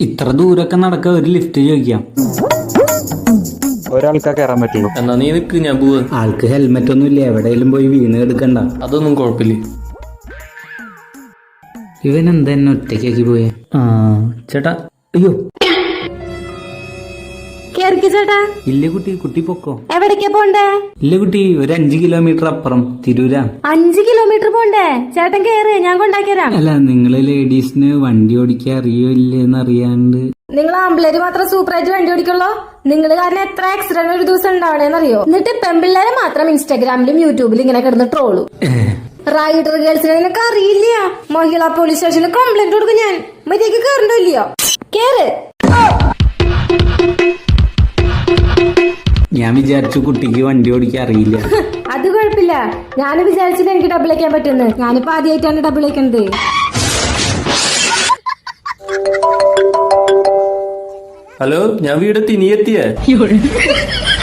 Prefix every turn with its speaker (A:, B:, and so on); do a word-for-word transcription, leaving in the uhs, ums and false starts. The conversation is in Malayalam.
A: ഇത്ര ദൂരൊക്കെ നടക്ക ഒരു ലിഫ്റ്റ് ചോദിക്കാം.
B: ഒരാൾക്കാ കയറാൻ പറ്റുള്ളൂ.
C: എന്നാ നീ നിക്ക്, ഞാൻ പോവാ.
A: ആൾക്ക് ഹെൽമെറ്റ് ഒന്നും ഇല്ല, എവിടെയെങ്കിലും പോയി വീണ് എടുക്കണ്ട.
C: അതൊന്നും കുഴപ്പമില്ല.
A: ഇവൻ എന്താ എന്നെ ഒറ്റയ്ക്കാക്കി പോയെ? ആ ചേട്ടാ, അയ്യോ
D: ചേട്ടാ.
A: ഇല്ല കുട്ടി, കുട്ടി പൊക്കോ.
D: എവിടേക്കാ പോണ്ടേ?
A: ഇല്ല കുട്ടി, ഒരു അഞ്ചു കിലോമീറ്റർ അപ്പുറം തിരൂരാ.
D: അഞ്ചു കിലോമീറ്റർ പോണ്ടേ? ചേട്ടൻ കേറ്, ഞാൻ കൊണ്ടാക്കിയരാം.
A: അല്ല, നിങ്ങള് ലേഡീസിന് വണ്ടി ഓടിക്കാൻ അറിയോ ഇല്ലെന്ന് അറിയാണ്ട്.
D: നിങ്ങൾ ആമ്പിള്ളേര് മാത്രം സൂപ്പറായിട്ട് വണ്ടി ഓടിക്കുള്ളൂ. നിങ്ങൾ കാരണം എത്ര ആക്സിഡന്റ് ഒരു ദിവസം ഉണ്ടാവണേന്നറിയോ? എന്നിട്ട് പെമ്പിള്ളേരെ മാത്രം ഇൻസ്റ്റാഗ്രാമിലും യൂട്യൂബിലും ഇങ്ങനെ കിടന്ന് ട്രോളു. റൈഡർ ഗേൾസിനെ നിനക്ക് അറിയില്ല. മഹിളാ പോലീസ് സ്റ്റേഷനിൽ കംപ്ലൈന്റ് കൊടുക്കും ഞാൻ. മര്യാദക്ക് കേറണ്ടോ ഇല്ലയോ? കേറ്.
A: ഞാൻ വിചാരിച്ചു കുട്ടിക്ക് വണ്ടി ഓടിക്കാൻ അറിയില്ല.
D: അത് കുഴപ്പമില്ല, ഞാൻ വിചാരിച്ചില്ല എനിക്ക് ഡബിൾ അയക്കാൻ പറ്റുന്നു. ഞാനിപ്പോ ആദ്യമായിട്ടാണ് ഡബിൾ അയക്കുന്നത്.
C: ഹലോ, ഞാൻ വീടെത്തി. നീ എത്തിയേ?